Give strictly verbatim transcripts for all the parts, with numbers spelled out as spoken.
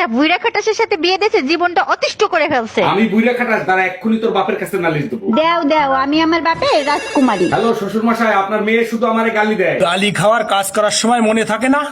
একটা বুইড়া খাটাসের সাথে বিয়ে দিয়েছে, জীবনটা অতিষ্ঠ করে ফেলছে। আমি বুইড়া খাটাস দ্বারা এক্ষুনি তোর বাপের কাছে নালিশ দেবো। দেও দেও, আমি আমার বাপে রাজকুমারী। হ্যালো শ্বশুর মশাই, আপনার মেয়ে শুধু আমারে গালি দেয়। গালি খাওয়ার কাজ করার সময় মনে থাকে না।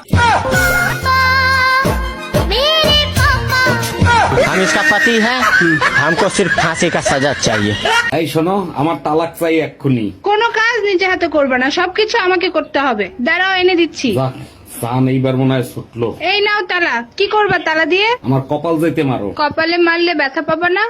हम इसका पति है, हमको सिर्फ फांसी का सजा चाहिए। এই শোনো, আমার তালাক চাই এক্ষুনি। কোনো কাজ নিজে হাতে করবে না, সবকিছু আমাকে করতে হবে। দাঁড়াও, এনে দিচ্ছি। যাক, সান এইবার মনে হয় ছুটলো। এই নাও তালা। কি করবা তালা দিয়ে? আমার কপাল যাইতে মারো। কপালে মারলে ব্যথা পাবা না।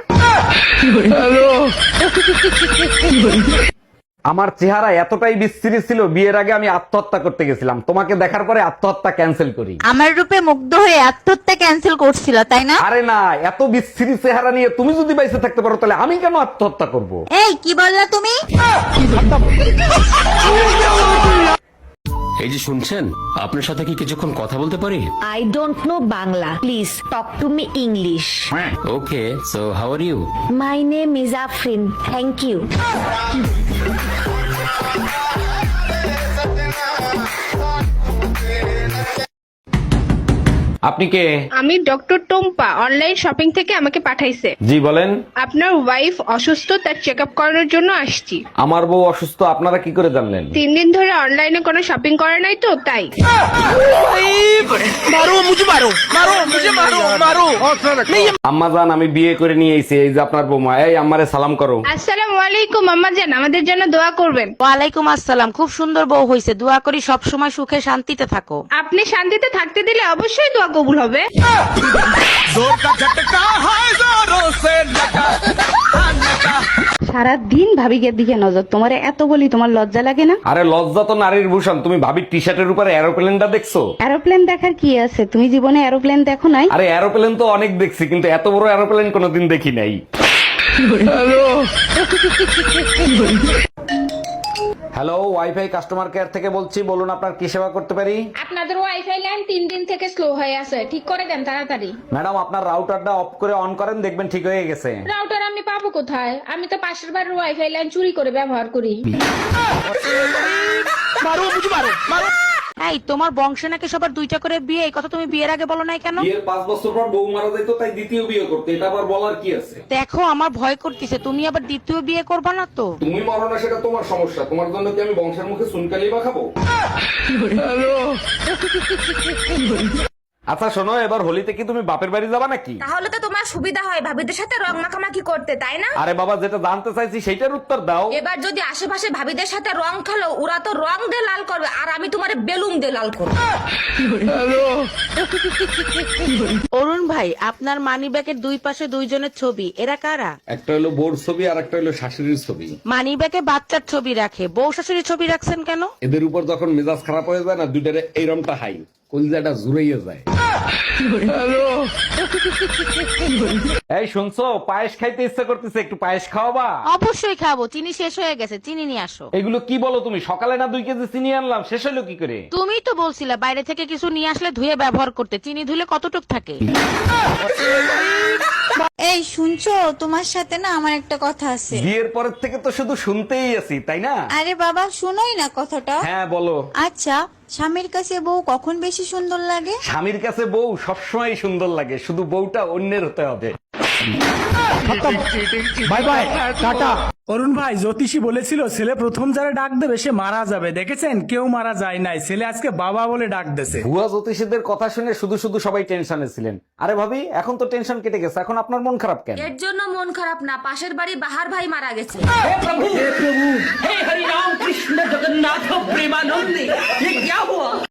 আমার চেহারা এতটাই বিস্তৃত ছিল, বিয়ের আগে আমি আত্মহত্যা করতে গেছিলাম। তোমাকে দেখার পরে আত্মহত্যা ক্যান্সেল করি। আমার রূপে মুগ্ধ হয়ে আত্মহত্যা ক্যান্সেল করছিল, তাই না? আরে না, এত বিস্তৃত চেহারা নিয়ে তুমি যদি বাইসে থাকতে পারো তাহলে আমি কেন আত্মহত্যা করব? এই কি বললা তুমি? এই যে শুনছেন, আপনার সাথে কি কিছুক্ষণ কথা বলতে পারি? I don't know Bangla. Please talk to me English. Okay, so how are you? My name is Afrin. Thank you. আপনি কে? আমি ডক্টর টম্পা, অনলাইন শপিং থেকে আমাকে পাঠাইছে। জি বলেন। আপনার ওয়াইফ অসুস্থ, তার চেক আপ করানোর জন্য আসছি। আমার বউ অসুস্থ, আপনারা কি করে জানলেন? তিন দিন ধরে অনলাইনে কোনো শপিং করে নাই তো, তাই। আম্মা জান, আমি বিয়ে করে নিয়ে এসেছি, এই যে আপনার বৌমা। এই আম্মারে সালাম করো। আসসালামু আলাইকুম আম্মা জান, আমাদের জন্য দোয়া করবেন। ওয়ালাইকুম আসসালাম। খুব সুন্দর বউ হয়েছে, দোয়া করি সব সময় সুখে শান্তিতে থাকো। আপনি শান্তিতে থাকতে দিলে অবশ্যই দোয়া কবুল হবে। সারা দিন ভাবিকের দিকে নজর, তোমার এত বলি তোমার লজ্জা লাগে না? আরে লজ্জা তো নারীর ভূষণ। তুমি ভাবির টি শার্টের উপরে এরোপ্লেনটা দেখছো? এরোপ্লেন দেখার কি আছে? তুমি জীবনে এরোপ্লেন দেখো নাই? আরে এরোপ্লেন তো অনেক দেখছি, কিন্তু এত বড় এরোপ্লেন কোনোদিন দেখি নাই। হ্যালো, ওয়াইফাই কাস্টমার কেয়ার থেকে বলছি, বলুন আপনার কি সেবা করতে পারি? আপনাদের ওয়াইফাই লাইন তিন দিন থেকে স্লো হয়ে আছে, ঠিক করে দেন তাড়াতাড়ি। ম্যাডাম, আপনার রাউটারটা অফ করে অন করেন, দেখবেন ঠিক হয়ে গেছে। রাউটার আমি পাবো কোথায়? আমি তো পাশের বাড়ির ওয়াইফাই লাইন চুরি করে ব্যবহার করি। এই তোমার বংশে নাকি সবার দুইটা করে বিয়ে, এই কথা তুমি বিয়ের আগে বলো নাই কেন? বিয়ের পাঁচ বছর পর বউ মারা যাইতো, তাই দ্বিতীয় বিয়ে করতে। এটা আবার বলার কি আছে? দেখো আমার ভয় করতেছে, তুমি আবার দ্বিতীয় বিয়ে করবা না তো? তুমি মরো না সেটা তোমার সমস্যা, তোমার জন্য কি আমি বংশের মুখে চুনকালি বা খাবো? আচ্ছা শোনো, এবার হোলিতে কি তুমি বাপের বাড়ি যাবা নাকি? তাহলে তো তোমার সুবিধা হয় ভাবিদের সাথে রং মাখামাখি করতে, তাই না? আরে বাবা, যেটা জানতে চাইছি সেইটার উত্তর দাও। এবার যদি আশেপাশে ভাবিদের সাথে রং খেলো, ওরা তো রং দিয়ে লাল করবে, আর আমি তোমার বেলুন দিয়ে লাল করবো। অরুণ ভাই, আপনার মানি ব্যাগের দুই পাশে দুইজনের ছবি, এরা কারা? একটা হলো বোর ছবি আর একটা হলো শাশুড়ির ছবি। মানি ব্যাগে বাচ্চার ছবি রাখে, বউ শাশুড়ির ছবি রাখছেন কেন? এদের উপর যখন মেজাজ খারাপ হয়ে যায় না, দুইটারে এইরমটা হাই কলিজাটা জুড়াইয়া যায়। এই শুনছো, পায়েস খাইতে ইচ্ছা করতেছে, একটু পায়েস খাওয়াবা? অবশ্যই খাবো, চিনি শেষ হয়ে গেছে, চিনি নিয়ে আসো। এগুলো কি বলো তুমি? সকালে না দুই কেজি চিনি আনলাম, শেষ হলো কি করে? তুমি তো বলছিলে বাইরে থেকে কিছু নিয়ে আসলে ধুয়ে ব্যবহার করতে, চিনি ধুলে কতটুক থাকে? এই শুনছো, তোমার সাথে না আমার একটা কথা আছে। বিয়ের পরের থেকে তো শুধু শুনতেই আছি, তাই না? আরে বাবা, শুনোই না কথাটা। হ্যাঁ বলো। আচ্ছা, স্বামীর কাছে বউ কখন বেশি সুন্দর লাগে? স্বামীর কাছে বউ সবসময় সুন্দর লাগে, শুধু বউটা অন্যের হতে হবে। Bye bye, tata. অরুণ ভাই, জ্যোতিষী বলেছিল ছেলে প্রথম যারা ডাক দেবে সে মারা যাবে। দেখেছেন, কেউ মারা যায় নাই, ছেলে আজকে বাবা বলে ডাক দেছে। ভুয়া জ্যোতিষীদের কথা শুনে শুধু শুধু সবাই টেনশনে ছিলেন। আরে ভাবি, এখন তো টেনশন কেটে গেছে, এখন আপনার মন খারাপ কেন? এর জন্য মন খারাপ না, পাশের বাড়ি বাহার ভাই মারা গেছে। हे हरि राम कृष्ण जगन्नाथ प्रेमानंद, ये क्या हुआ?